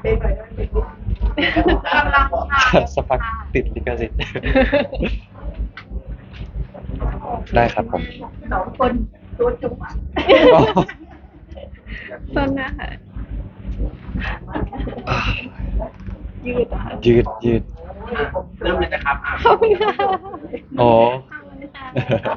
เพลงหน่อยได้ไหมกำลังชาสักพักติดลิขสิทธิ์ ได้ครับผมสองคนตัวจุ๊บส้นนะคะยืดอะค่ะยืดเริ่มเลยนะครับขอบคุณค่ะโอ้ขอบคุณค่ะ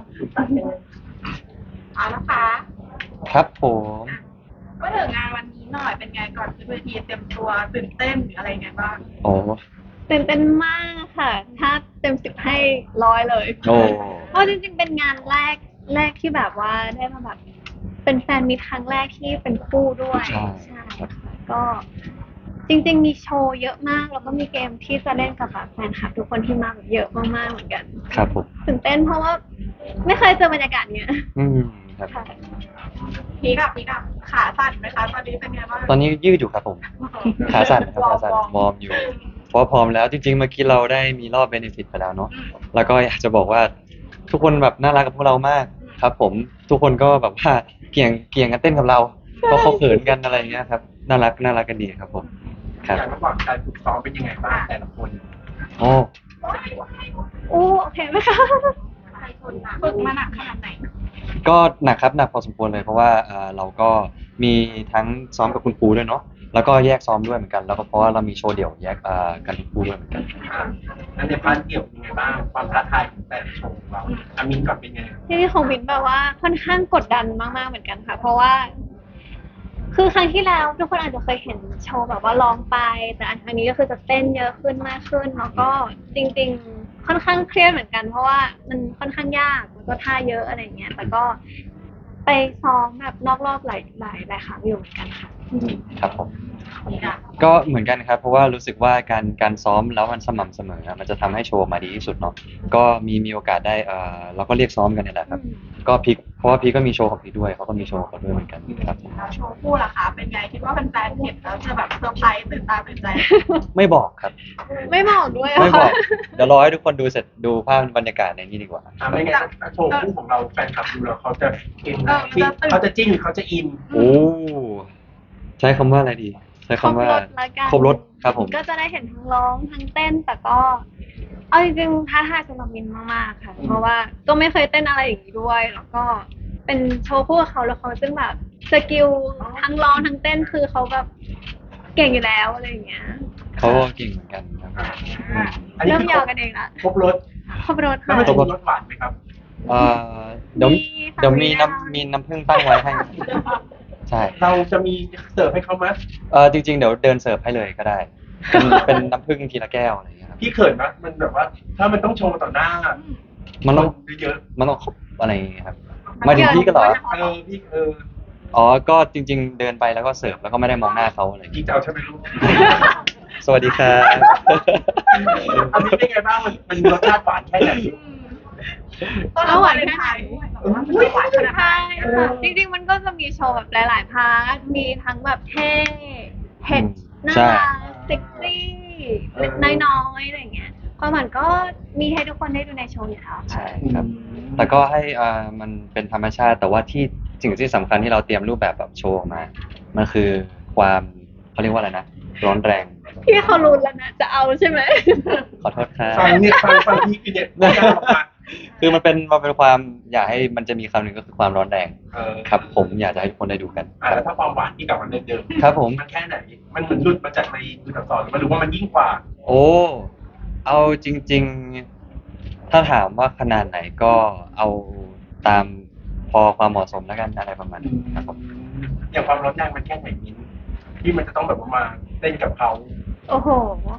เอาละคะครับผมก็ถึงงานวันนี้หน่อยเป็นไงก่อนขึ้นเวทีเตรียมตัวตื่นเต้นหรืออะไรไงบ้างโอ้ตื่นเต้นมากค่ะ ถ้าเต็ม10ให้100เลยโอ้เพราะจริงๆเป็นงานแรกที่แบบว่าได้มาแบบเป็นแฟนมีตครั้งแรกที่เป็นคู่ด้วยใช่ค่ะก็จริงๆมีโชว์เยอะมากแล้วก็มีเกมที่จะเล่นกับแบบแฟนคลับทุกคนที่มาแบบเยอะมากๆเหมือนกันครับผมตื่นเต้นเพราะว่าไม่เคยเจอบรรยากาศเนี้ยครับค่ะพีกับขาสั่นไหมคะตอนนี้เป็นไงบ้างตอนนี้ยืดอยู่ครับผม ขาสั่นครับขาสั่นวอร์มอยู่ เพราะว่าพร้อมแล้วจริงๆเมื่อกี้เราได้มีรอบเบนฟิตไปแล้วเนาะแล้วก็อยากจะบอกว่าทุกคนแบบน่ารักกับพวกเรามากครับ ผมทุกคนก็แบบว่าเกี่ยงกันเต้นกับเราเพราะเขาเขินกันอะไรอย่างเงี้ยครับน่ารักกันดีครับผมครับอย่างระหว่างการฝึกซ้อมเป็นยังไงบ้างแต่ละคนโอ้โอเคไหมคะฝึกมาหนักขนาดไหนก็หนักครับหนักพอสมควรเลยเพราะว่าเราก็มีทั้งซ้อมกับคุณครูด้วยเนาะแล้วก็แยกซ้อมด้วยเหมือนกันแล้วก็เพราะว่าเรามีโชว์เดี่ยวแยกกันคุณครูด้วยเหมือนกันอันในพาร์ทเดี่ยวเป็นยังไงบ้างความท้าทายของแต่ละโชว์ของเราอามินก่อนเป็นไงที่นี่ของวินแบบว่าค่อนข้างกดดันมากๆเหมือนกันค่ะ เพราะว่า คือครั้งที่แล้วทุกคนอาจจะเคยเห็นโชว์แบบว่าร้องไป แต่อันครั้งนี้ก็คือจะเต้นเยอะขึ้นมากขึ้น แล้วก็จริงๆค่อนข้างเครียดเหมือนกัน เพราะว่ามันค่อนข้างยากแล้วก็ท่าเยอะอะไรอย่างเงี้ยแต่ก็ไปซ้อมแบบนอกรอบหลายครั้งอยู่เหมือนกันค่ะครับผมนี่อ่ะก็เหมือนกันครับเพราะว่ารู้สึกว่าการซ้อมแล้วมันสม่ำเสมอมันจะทำให้โชว์มาดีที่สุดเนาะก็มีโอกาสได้เราก็เรียกซ้อมกันนี่แหละครับก็พีคเพราะว่าพีคก็มีโชว์ของพีคด้วยเขาก็มีโชว์ของเขาด้วยเหมือนกันครับผมแล้วโชว์คู่ล่ะคะเป็นไงคิดว่าแฟนๆเห็นแล้วจะแบบเซอร์ไพรส์ตื่นตาตื่นใจไม่บอกครับไม่บอกด้วยไม่บอกค่ะเดี๋ยวรอให้ทุกคนดูเสร็จดูภาพบรรยากาศในนี้ดีกว่าไม่ไงโชว์คู่ของเราแฟนคลับดูแล้วเขาจะอินเออมันจะตื่นเขาจะจิ้นหรือเขาจะอินโอ้ใช้คำว่าอะไรดี ใช้คำว่าละกันครบรถครับผมก็จะได้เห็นทั้งร้องทั้งเต้นแต่ก็ เอาจริงๆท้าทายสำหรับมินมากๆค่ะ เพราะว่าก็ไม่เคยเต้นอะไรอย่างนี้ด้วย แล้วก็เป็นโชว์คู่กับเขาแล้วเขาซึ่งแบบสกิลทั้งร้องทั้งเต้นคือเขาแบบเก่งอยู่แล้วอะไรอย่างเงี้ยเขาก็เก่งเหมือนกันครับผมอันนี้เริ่มคืยาวกันเองละครบรถขอบรถแล้วค่ะมันจะมีรสหวานไหมครับเอ่อเดี๋ยวมีค่ะเดี๋ยวมีมีค่ะมีน้ำผึ้งตั้งไว้ให้ ใช่เราจะมีเสิร์ฟให้เขาไหมจริงๆเดี๋ยวเดินเสิร์ฟให้เลยก็ได้ เป็นน้ำผึ้งทีละแก้วอะไรอย่างเงี้ยครับพี่เขินไหมมันแบบว่า ถ้ามันต้องโชว์ต่อหน้ามันต้องเยอะมันต้องครบอะไรอย่างเงี้ยครับหมายถึงพี่ก็เหรอพี่อ๋อก็จริง ๆ เดินไปแล้วก็เสิร์ฟแล้วก็ไม่ได้มองหน้าเขาอะไรอย่างพี่เงี้ยจะเอาใช่ไหมลูกสวัสดีครับอันนี้เป็นไงบ้างมันรสชาติหวานแค่ไหนต้นรับวาเลนไทน์ด้วยหวานขนาดไหนใช่ค่ะจริงๆมันก็จะมีโชว์แบบหลายๆพาร์ทมีทั้งแบบเท่เผ็ดน่าใช่รักเซ็กซี่เล็กน้อยๆอะไรอย่างเงี้ยความหวานก็มีให้ทุกคนได้ดูในโชว์อยู่แล้วใช่ครับ แต่ก็ให้มันเป็นธรรมชาติ แต่ว่าที่สิ่งที่สำคัญที่เราเตรียมรูปแบบโชว์ออกมา มันคือความเขาเรียกว่าอะไรนะ ร้อนแรงพี่เขารู้แล้วนะจะเอาใช่ไหมขอโทษครับฟังพี่คือเนี่ยไม่กล้าออกมาคือมันเป็นความอยากให้มันจะมีคำหนึ่งก็คือความร้อนแรง ครับ ผมอยากจะให้ทุกคนได้ดูกันแล้วถ้าความหวานที่กลับมาเดิมครับผมมันแค่ไหน มันเหมือนหลุดมาจากในดูตัดต่อหรือมันรู้ว่ามันยิ่งกว่าโอ้ เอาจริง ๆ ถ้าถามว่าขนาดไหนก็เอาตามพอความเหมาะสมแล้วกันอะไรประมาณนี้ครับผมอย่างความร้อนแรงมันแค่ไหนมิ้นที่มันจะต้องแบบว่ามาเต้นกับเขาโอ้โห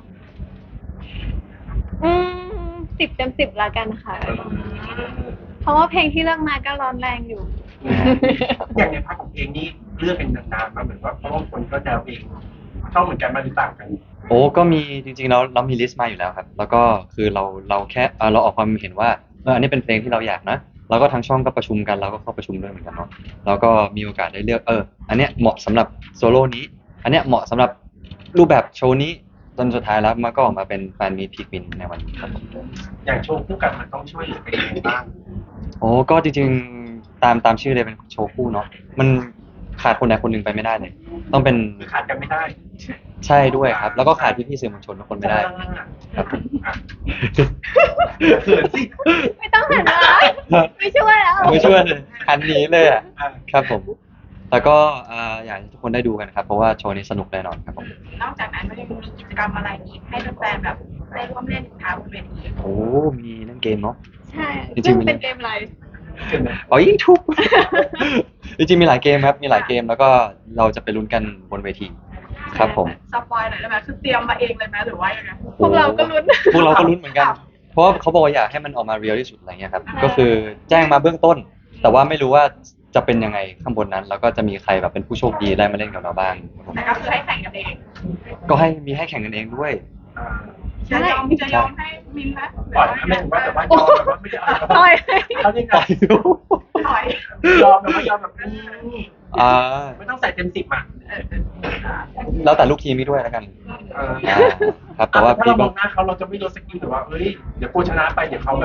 10 เต็ม 10ละกันค่ะ เพราะว่าเพลงที่เลือกมาก็ร้อนแรงอยู่อย่างในภาคของเพลงนี่เลือกเป็นนานๆมาเหมือนว่าเพราะว่าคนก็แนวเพลงชอบเหมือนกันมาหรือต่างกันโอ้ก็มีจริงๆเรามีลิสต์มาอยู่แล้วครับ แล้วก็คือเราแค่เราออกความเห็นว่าอันนี้เป็นเพลงที่เราอยากนะแล้วก็ทางช่องก็ประชุมกันเราก็เข้าประชุมด้วยเหมือนกันเนาะแล้วก็มีโอกาสได้เลือกอันเนี้ยเหมาะสำหรับโซโล่นี้ อันเนี้ยเหมาะสำหรับรูปแบบโชว์นี้จนสุดท้ายแล้วมันก็ออกมาเป็นแฟนมีตพีควินในวันนี้ครับผมอย่างโชว์คู่กันมันต้องช่วยเหลือกันยังไงบ้างโอ้ก็จริงๆตามชื่อเลยเป็นโชว์คู่เนาะมันขาดคนใดคนหนึ่งไปไม่ได้เลยต้องเป็นคือขาดกันไม่ได้ใช่ด้วยครับ แล้วก็ขาดพี่ๆสื่อมวลชนทุกคนไม่ได้ครับผมอ่ะเขินสิไม่ต้องหันมาไม่ช่วยแล้วไม่ช่วยเลยคันนี้เลยอ่ะอ่ะครับผมแล้วก็อยากให้ทุกคนได้ดูกันครับเพราะว่าโชว์นี้สนุกแน่นอนครับผมนอกจากนั้นก็ยังมีกิจกรรมอะไรอีกให้แฟนๆแบบได้ร่วมเล่นอีกคะบนเวทีโอ้มีเล่นเกมเนาะใช่จริงๆซึ่งเป็นเกมอะไรเห็นไหมอ๋อยิ่งทุบ จริงๆมีหลายเกมครับมีหลายเกมแล้วก็เราจะไปลุ้นกันบนเวทีครับผมสปอยหน่อยได้ไหมคือเตรียมมาเองเลยไหมหรือว่ายังไงพวกเราก็ลุ้นพวกเราก็ลุ้นเหมือนกัน เพราะว่าเขาบอกว่าอยากให้มันออกมาเรียลที่สุดอะไรเงี้ยครับก็คือแจ้งมาเบื้องต้น แต่ว่าไม่รู้ว่าจะเป็นยังไงข้างบนนั้น แล้วก็จะมีใครแบบเป็นผู้โชคดีได้มาเล่นกับเราบ้างแต่ก็คือให้แข่งกันเองก็ให้มีให้แข่งกันเองด้วยอ่าจะยอมให้มินไหมปล่อยนะไม่ถึงว่าแบบว่ายอมแบบว่าไม่ได้เอาต่อยเขาเรียกไงถอยยอมแบบว่ายอมแบบอ่าไม่ต้องใส่เต็ม 10อ่ะแล้วแต่ลูกทีมนี้ด้วยแล้วกันเออครับแต่ว่าถ้าพี่เรามก็องหน้าเขาเราจะไม่ลดสกิลหรือว่าเอ้ยเดี๋ยวกูชนะไปเดี๋ยวเขาแบบ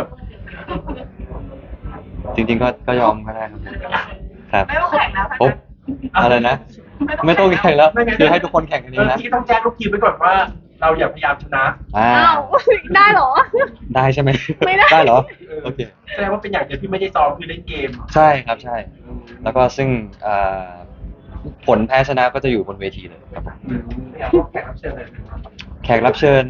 จริง ๆ ก็ยอมก็ได้ครับครับไม่ต้องแข่งแล้วโอ๊บอะไรนะ ไม่ต้องแข่งแล้วคือให้ทุกคนแข่งกันเองนะที่ต้องแจ้งลูกทีมไว้ก่อนว่า เราอย่าพยายามชนะอ่าอ้าวได้เหรอได้ใช่ไหมไม่ได้ได้เหรอโอเคแสดงว่าเป็นอย่างเดียวที่ไม่ได้ซ้อมคือเล่นเกมใช่ครับใช่ แล้วก็ซึ่งผลแพ้ชนะก็จะอยู่บนเวทีเลยครับผมเอาแขกรับเชิญเลยแขกรับเชิญ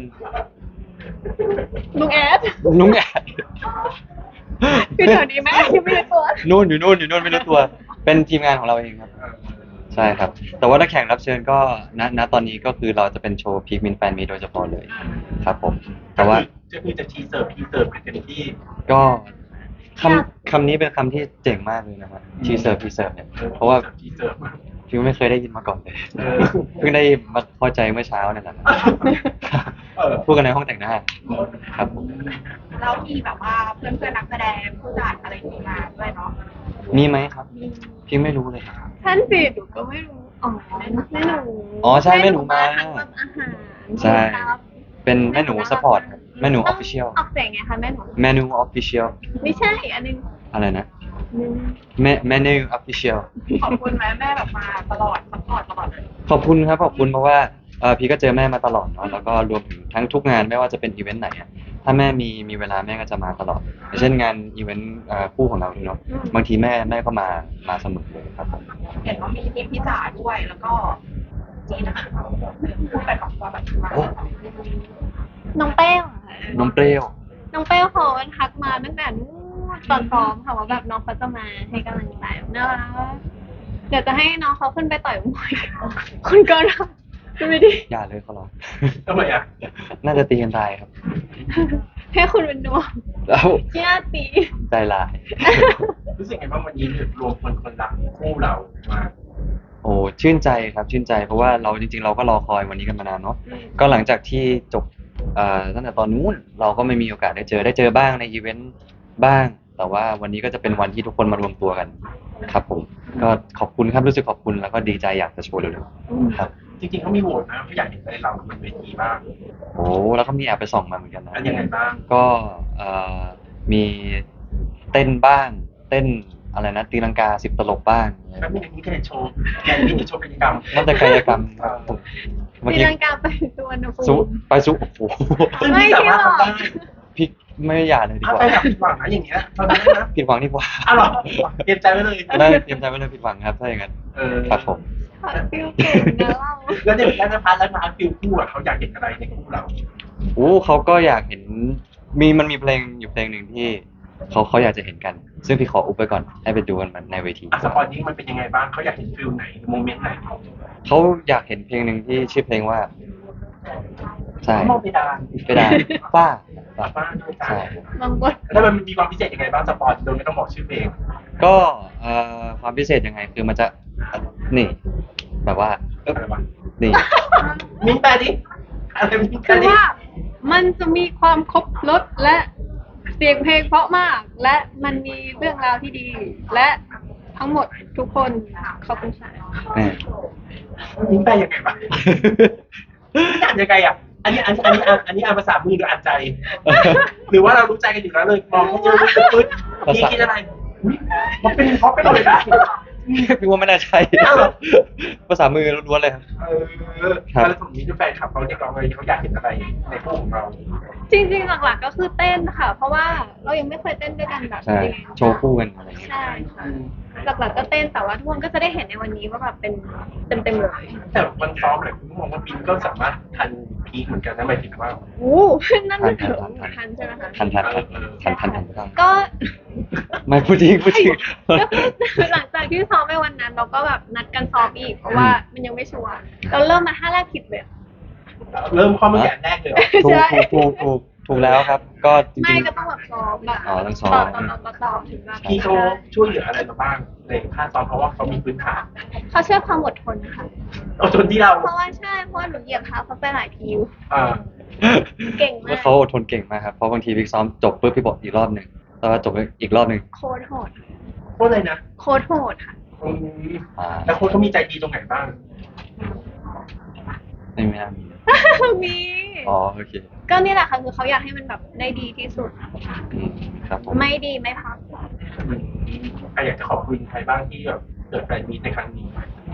ลุงแอดลุงแอดคือแถวนี้ไหมยังไม่รู้ตัวนู่นอยู่นู่นไม่รู้ตัว เป็นทีมงานของเราเองครับ ใช่ครับ แต่ว่าถ้าแขกรับเชิญก็ณตอนนี้ก็คือเราจะเป็นโชว์พีคมินแฟนมีโดยเฉพาะเลยครับผม แต่ว่าจะคือจะทีเสิร์ฟพีเสิร์ฟกันเต็มที่ก็คำนี้เป็นคำที่เจ๋งมากเลยนะครับทีเสิร์ฟเนี่ยเพราะว่าทีเสิร์ฟมาฟิวไม่เคยได้ยินมาก่อนเลยเออเพิ่งได้มาเข้าใจเมื่อเช้าเนี่ยแหละเออพูดกันในห้องแต่งหน้าครับผมเรามีแบบว่าเพื่อนๆนักแสดงผู้จัดอะไรอย่างเงี้ยมาด้วยเนาะมีไหมครับพี่ไม่รู้เลยครับท่านสิหนูก็ไม่รู้ อ๋อแม่หนูอ๋อใช่แม่หนูมาทำแบบอาหารใช่ครับเป็นแม่หนูสปอร์ตครับแม่หนูออฟฟิเชียลออกเสียงไงคะแม่หนูแม่หนูออฟฟิเชียลไม่ใช่อันนึงอะไรนะนึงแม่หนูออฟฟิเชียลขอบคุณไหมแม่แบบมาตลอดซัพพอร์ตตลอดเลยขอบคุณครับขอบคุณเพราะว่าพี่ก็เจอแม่มาตลอดเนาะแล้วก็รวมถึงทั้งทุกงานไม่ว่าจะเป็นอีเวนต์ไหนอะถ้าแม่มีเวลาแม่ก็จะมาตลอดอย่างเช่นงานอีเวนต์คู่ของเราเนาะบางทีแม่ก็มาเสมอเลยครับผมเห็นว่ามีทีมพี่จ๋าด้วยแล้วก็จีนะคะพูดไปกับว่าแบบมาโอ้น้องเป้วอะค่ะน้องเปรี้ยวน้องเป้วเขาทักมาตั้งแต่นู้นตอนซ้อมค่ะว่าแบบน้องเขาจะมาให้กำลังใจน่ารักเดี๋ยวจะให้น้องเขาขึ้นไปต่อยมวยคุณก็รับดูไม่ดีอย่าเลยเขาร้องทำไมอ่ะน่าจะตีกันตายครับให้คุณเป็นดวงแล้วเชี่ยตีใจลายรู้สึกไงบ้างวันนี้รวมคนรักคู่เรามาโอ้ชื่นใจครับชื่นใจเพราะว่าเราจริงๆเราก็รอคอยวันนี้กันมานานเนาะก็หลังจากที่จบตั้งแต่ตอนนู้นเราก็ไม่มีโอกาสได้เจอบ้างในอีเวนต์บ้าง แต่ว่าวันนี้ก็จะเป็นวันที่ทุกคนมารวมตัวกันครับผมก็ขอบคุณครับรู้สึกขอบคุณแล้วก็ดีใจอยากจะโชว์เร็วๆครับจริงๆเขามีโหวตนะเขาอยากเห็นอะไรเราบนเวทีบ้างโอ้แล้วก็มีแอบไปส่องมาเหมือนกันนะอันยังไงบ้างก็มีเต้นบ้างเต้นอะไรนะตีลังกา10 ตลบบ้างแล้วมีอย่างนี้ก็เห็นโชว์อย่างนี้จะโชว์กิจกรรมนั่นแต่กายกรรมครับผมเมื่อตีกี้ลังกาไปสุวรรณภูสุมิไปสุโอ้โหซึ่งพี่สามารถทำได้พี่ไม่อยากเลยดีถ้ากว่าไปแบบผิดหวังนะอย่างเงี้ยตอนนั้นนะผิดหวังดีกว่าอ้าวเหรอเตรียมใจไว้เลยได้เตรียมใจไว้เลยผิดหวังครับถ้าอย่างนั้นเออครับผมฟิลเก่งนะเราแล้วเนี่ยแล้วนะพัทแล้วนะฟิลคู่อ่ะเขาอยากเห็นอะไรในคู่เราโอ้เขาก็อยากเห็นมันมีเพลงอยู่เพลงหนึ่งที่เขาอยากจะเห็นกัน ซึ่งพี่ขออุบไปก่อนให้ไปดูกันมันในเวทีอ่ะสปอยนี้มันเป็นยังไงบ้างเขาอยากเห็นฟิลไหนโมเมนต์ไหนเขาอยากเห็นเพลงหนึ่งที่ชื่อเพลงว่าใช่มองเพดานไปดานป้าบ้านด้วยกันใช่บางบนแล้วมันมีความพิเศษยังไงบ้างสปอยโดยไม่ต้องบอกชื่อเพลงก็ความพิเศษยังไงคือมันจะนี่ แบบว่าเอ๊บอะไรวะนี่มิ้นแปลดิอะไรมิ้นแปลคือดิว่ามันจะมีความครบรสและเสียงเพลงเพราะมาก และมันมีเรื่องราวที่ดี และทั้งหมดทุกคนขอบคุณค่ะแน่มิ้นแปลยังไงวะอ่านยังไงอ่ะอันนี้อ่านภาษามือหรืออ่านใจ หรือว่าเรารู้ใจกันอยู่แล้วเลยมองแค่เจอปึ๊ดนี่คิดอะไรอุ๊ยมันเป็นเพราะไปเลยนะพี่ว่าไม่น่าใช่อ้าวเหรอภาษามือล้วนๆเลยครับ ครับแล้วสมมติแฟนคลับเขาเรียกร้องอะไรเขาอยากเห็นอะไรในคู่ของเราจริงๆหลักๆก็คือเต้นค่ะ เพราะว่าเรายังไม่เคยเต้นด้วยกันแบบใช่จริงๆโชว์คู่กันอะไรอย่างเงี้ยใช่ค่ะหลักๆก็เต้นแต่ว่าทุกคนก็จะได้เห็นในวันนี้ว่าแบบเป็นเต็มๆเลยแต่วันซ้อมหลายคนมองว่าบินก็สามารถทันพีคเหมือนกันนะหมายถึงว่าโอ้นั่นมันถึงทันใช่ไหมคะทันไม่ต้องก็ไม่พูดจริงพูดจริงก็คือหลังจากที่ซ้อมไปวันนั้น เราก็แบบนัดกันซ้อมอีก เพราะว่ามันยังไม่ชัวร์เราเริ่มมา5 แรกผิดเลยเริ่มข้อมือแกนแรกเลยเหรอถูใช่กแล้วครับ ก็จไม่ริงก็ต้องแบบซ้อมแบบอ๋อต้องซ้อมต่อถึงแบบพี่เขาช่วยเหลืออะไรมาบ้างในค่าซ้อมเพราะว่าเขามีพื้นฐานเขาเชื่อความอดทนค่ะเอาจนที่เราเพราะว่าใช่เพราะว่าหนูเหยียบเท้าเขาไปหลายทีอยู่อ่าเก่งมากแล้วเขาอดทนเก่งมากครับ เพราะบางทีพี่ซ้อมจบปุ๊บพี่บอกอีกรอบหนึ่งแล้วก็จบอีกรอบหนึ่งโค้ดโหดโคตรเลยนะโค้ดโหดค่ะอืมอ่าแล้วโค้ชเขามีใจดีตรงไหนบ้างไม่น่ามีมีอ๋อโอเคก็นี่แหละค่ะคือเขาอยากให้มันแบบได้ดีที่สุดอืมครับผมไม่ดีไม่พักใครอยากจะขอบคุณใครบ้างที่แบบเกิดแฟนมีตในครั้งนี้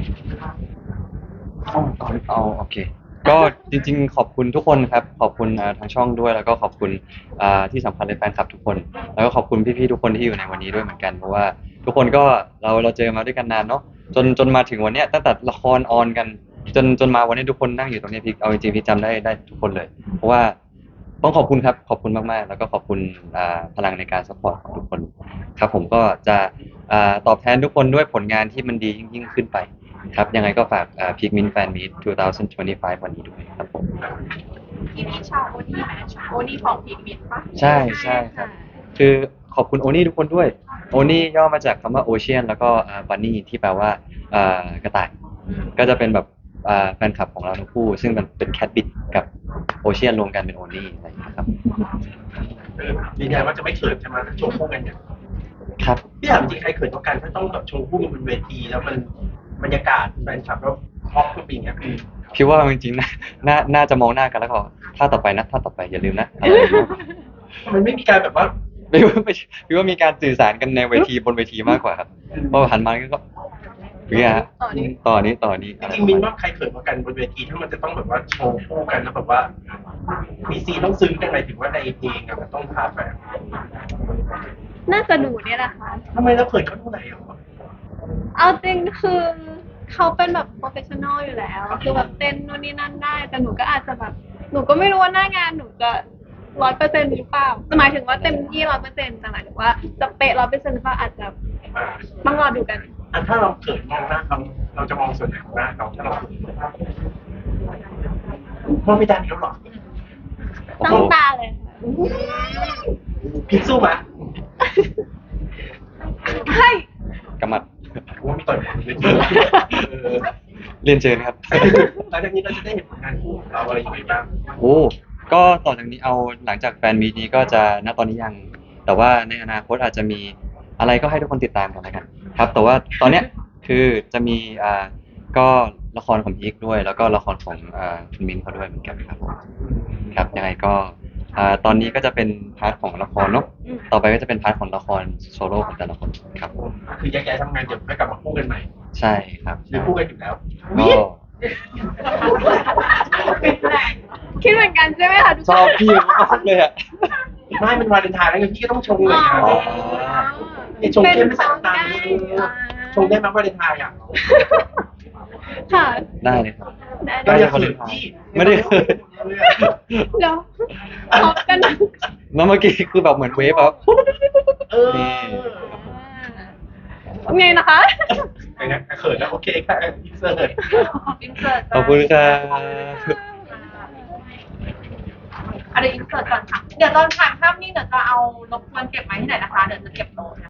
เอาโอเค ก็จริงๆ ขอบคุณทุกคนครับ ขอบคุณทางช่องด้วย แล้วก็ขอบคุณที่สำคัญเลยแฟนคลับทุกคน แล้วก็ขอบคุณพี่ๆทุกคนที่อยู่ในวันนี้ด้วยเหมือนกัน เพราะว่าทุกคนก็เราเจอมาด้วยกันนานเนาะจนมาถึงวันเนี้ยตั้งแต่ละครออนกัน จนมาวันนี้ทุกคนนั่งอยู่ตรงนี้พี่เอาจริงๆพี่จำได้ทุกคนเลย เพราะว่าต้องขอบคุณครับขอบคุณมากๆ แล้วก็ขอบคุณพลังในการสปอร์ตของทุกคน ครับผมก็จะตอบแทนทุกคนด้วยผลงานที่มันดียิ่งขึ้นไป ครับยังไงก็ฝากพิกมินแฟนมีต2025 วันนี้ด้วยครับผมที่มีชาวโอนี่ไหมโอนี่ของพีกมิดปะใช่ครับ คือขอบคุณโอนี่ทุกคนด้วยโอนี่ย่อมาจากคำว่าโอเชียนแล้วก็บันนี่ที่แปลว่ากระต่าย ก็จะเป็นแบบแฟนคลับของเราทั้งคู่ ซึ่งมันเป็นแคทบิดกับโอเชียนรวมกันเป็นโอนี่อะไรอย่างเงี้ยครับยืนยันว่าจะไม่เขินใช่ไหมโชว์คู่กันเนี่ยครับพี่ถามจริงใครเขินกว่ากันถ้าต้องแบบโชว์คู่กันบนเวทีแล้วมันบรรยากาศแฟนคลับแล้วฮอปขึ้นไปอย่างเงี้ยพี่ว่าจริงๆน่าจะมองหน้ากันแล้วก็ถ้าต่อไปนะถ้าต่อไปอย่าลืมนะอะไรอย่างเงี้ยมันไม่มีการแบบว่าพี่ว่ามีการสื่อสารกันในเวทีบนเวทีมากกว่าครับเพราะหันมาก็เนี่ยฮะต่อนี้จริงๆมินว่าใครเขินกว่ากันบนเวทีถ้ามันจะต้องแบบว่าโชว์คู่กันแล้วแบบว่า มีซีนต้องซึ้งกันหมายถึงว่าในเพลงอะมันต้องพาไปน่าจะหนูเนี่ยแหละค่ะทำไมเราเขินเขาเท่าไหร่อ่ะเอาจริงคือเขาเป็นแบบโปรเฟชชั่นอลอยู่แล้ว คือแบบเต้นนู่นนี่นั่นได้ แต่หนูก็อาจจะแบบ หนูก็ไม่รู้ว่าหน้างานหนูจะ100%หรือเปล่าแต่หมายถึงว่าเต็มที่100%แต่หมายถึงว่าจะเป๊ะ100%หรือเปล่าอาจจะอ่าต้องรอดูกันอันถ้าเราเขินมองหน้าเขาเราจะมองส่วนไหนของหน้าเขาถ้าเราเขินมองไม่ได้แล้วหรอโอ้ต้โหองตาเลยค่ะพิกสู้ไหมเฮ้ยกำมัดว่ามีต่อยหมดเลยเออเรียนเชิญครับหลังจากนี้เราจะได้เห็นผลงานคู่ของเราอะไรอย่างไรบ้างโอ้ก็ต่อจากนี้เอาหลังจากแฟนมีตนี้ก็จะณตอนนี้ยัง แต่ว่าในอนาคตอาจจะมีอะไรก็ให้ทุกคนติดตามกันแล้วกันครับ แต่ว่าตอนเนี้ยคือจะมีก็ละครของพีคด้วย แล้วก็ละครของคุณมินเขาด้วยเหมือนกันครับผมครับยังไงก็ตอนนี้ก็จะเป็นพาร์ทของละครเนาะต่อไปก็จะเป็นพาร์ทของละครโซโล่ของแต่ละคนครับผมคือแยกย้ายทำงานเดี๋ยวค่อยกลับมาคู่กันใหม่ใช่ครับหรือคู่กันอยู่แล้วก็คิดเหมือนกันใช่ไหมคะทุกชคนอบพี่มากเลยอ่ะไม่เป็นวาเลนไทน์แล้วไงพี่ก็ต้องชงเลยนะอ๋อชงเข้มไม่ใส่น้ำตาลได้ชงได้ไหมวาเลนไทน์อ่ะค่ะได้เลยครับได้ก็ได้อย่าเขินพี่ไม่ได้เคยเดี๋ยวพบกันนะแล้วเมื่อกี้คือแบบเหมือนเวฟแบบเออไงนะคะอย่างเงี้ยเขินแล้วโอเคค่ะอินเสิร์ตอินเสิร์ตขอบคุณครับอะไรอินเสิร์ตก่อนค่ะ เดี๋ยวตอนถ่ายภาพนี่เดี๋ยวจะเอารบกวนเก็บไว้ที่ไหนนะคะ เดี๋ยวจะเก็บโน้ต